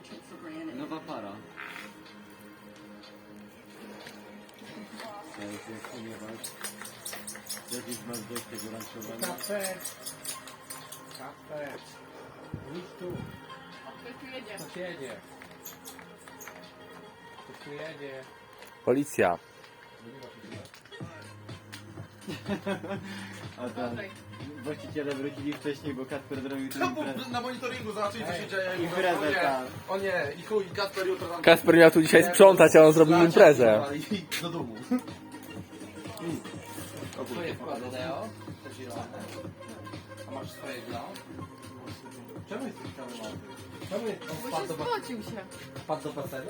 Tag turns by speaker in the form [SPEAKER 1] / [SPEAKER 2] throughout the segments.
[SPEAKER 1] Nowa para. To jest jak ponieważ kiedyś masz dość tego ranczowania.
[SPEAKER 2] Kafet. Kafet. Idź tu.
[SPEAKER 3] Ktoś tu jedzie.
[SPEAKER 2] Ktoś jedzie. Ktoś tu jedzie.
[SPEAKER 4] Policja.
[SPEAKER 1] A tam
[SPEAKER 3] Tutaj.
[SPEAKER 1] właściciele wrócili wcześniej, bo Kacper zrobił tu
[SPEAKER 5] No
[SPEAKER 1] imprezę.
[SPEAKER 5] bo na monitoringu zobaczyli co się dzieje. I
[SPEAKER 1] Imprezę,
[SPEAKER 5] o nie,
[SPEAKER 1] tak.
[SPEAKER 5] o nie, i chuj, Kasper jutro tam...
[SPEAKER 4] Kasper miał tu dzisiaj sprzątać, a on zrobił imprezę.
[SPEAKER 5] I do domu.
[SPEAKER 2] Twoje wkłady, Leo? Te zielone. A masz swoje glow? Czemu jesteś cały mały? Czemu jest on
[SPEAKER 3] Bo się spocił się.
[SPEAKER 2] wpadł do basenu?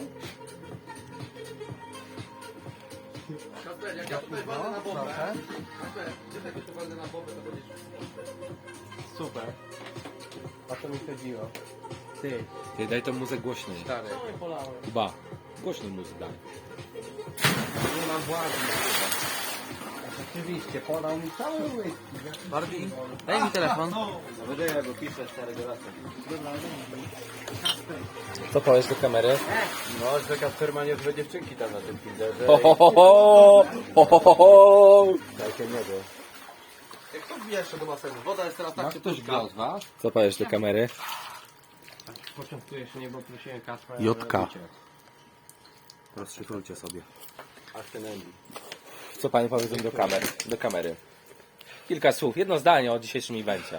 [SPEAKER 5] Kasper, jak ja tutaj walnę na bombę,
[SPEAKER 2] Proszę.
[SPEAKER 5] Kasper, gdzie tego tu walnę na bombę, to będziesz...
[SPEAKER 2] Super. O to mi chodziło. Ty,
[SPEAKER 4] Ty, daj tą muzykę głośniej.
[SPEAKER 2] stary. Co mnie polałem?
[SPEAKER 4] Chyba. Głośną muzykę daj.
[SPEAKER 2] Nie mam władzy. Oczywiście, podał mi cały whisky.
[SPEAKER 4] Barbie, daj mi telefon.
[SPEAKER 1] No będę ja go piszę starego lata.
[SPEAKER 4] Co powiesz do kamery?
[SPEAKER 1] No, że Kacper ma niezłe dziewczynki tam na tym Tinderze.
[SPEAKER 4] Ho, ho, ho, ho, ho, ho, ho, ho.
[SPEAKER 1] Takie niebo.
[SPEAKER 5] Jak to wbija jeszcze do basenu? Woda jest teraz tak
[SPEAKER 2] Masz ktoś
[SPEAKER 5] cieplutka.
[SPEAKER 2] z was?
[SPEAKER 4] Co powiesz do kamery?
[SPEAKER 2] Początkujesz mnie, bo prosiłem Kaspra.
[SPEAKER 4] Jotka. Rozszyfrujcie sobie.
[SPEAKER 1] Aż ten Andy.
[SPEAKER 4] Co panie powiedzą do kamery? Kilka słów, jedno zdanie o dzisiejszym evencie.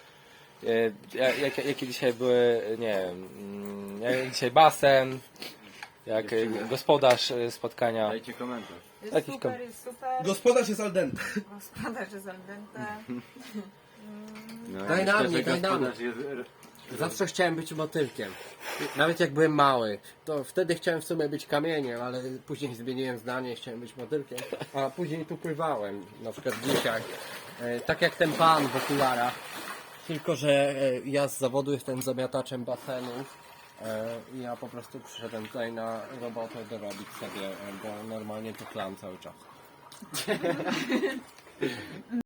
[SPEAKER 4] Jakie dzisiaj były, nie wiem, jak dzisiaj basen, jak gospodarz spotkania.
[SPEAKER 1] Dajcie komentarz.
[SPEAKER 3] Jest
[SPEAKER 4] Jakiś
[SPEAKER 3] super, jest super.
[SPEAKER 5] Gospodarz jest al dente.
[SPEAKER 3] Gospodarz jest al dente.
[SPEAKER 1] No,
[SPEAKER 2] Daj na
[SPEAKER 1] myślę,
[SPEAKER 2] mnie,
[SPEAKER 1] że
[SPEAKER 2] daj na
[SPEAKER 1] gospodarz jest...
[SPEAKER 2] Zawsze chciałem być motylkiem. Nawet jak byłem mały, to wtedy chciałem w sumie być kamieniem, ale później zmieniłem zdanie i chciałem być motylkiem. A później tu pływałem, na przykład dzisiaj. Tak jak ten pan w okularach. Tylko, że ja z zawodu jestem zamiataczem basenów. I ja po prostu przyszedłem tutaj na robotę dorobić sobie, bo normalnie tu klam cały czas.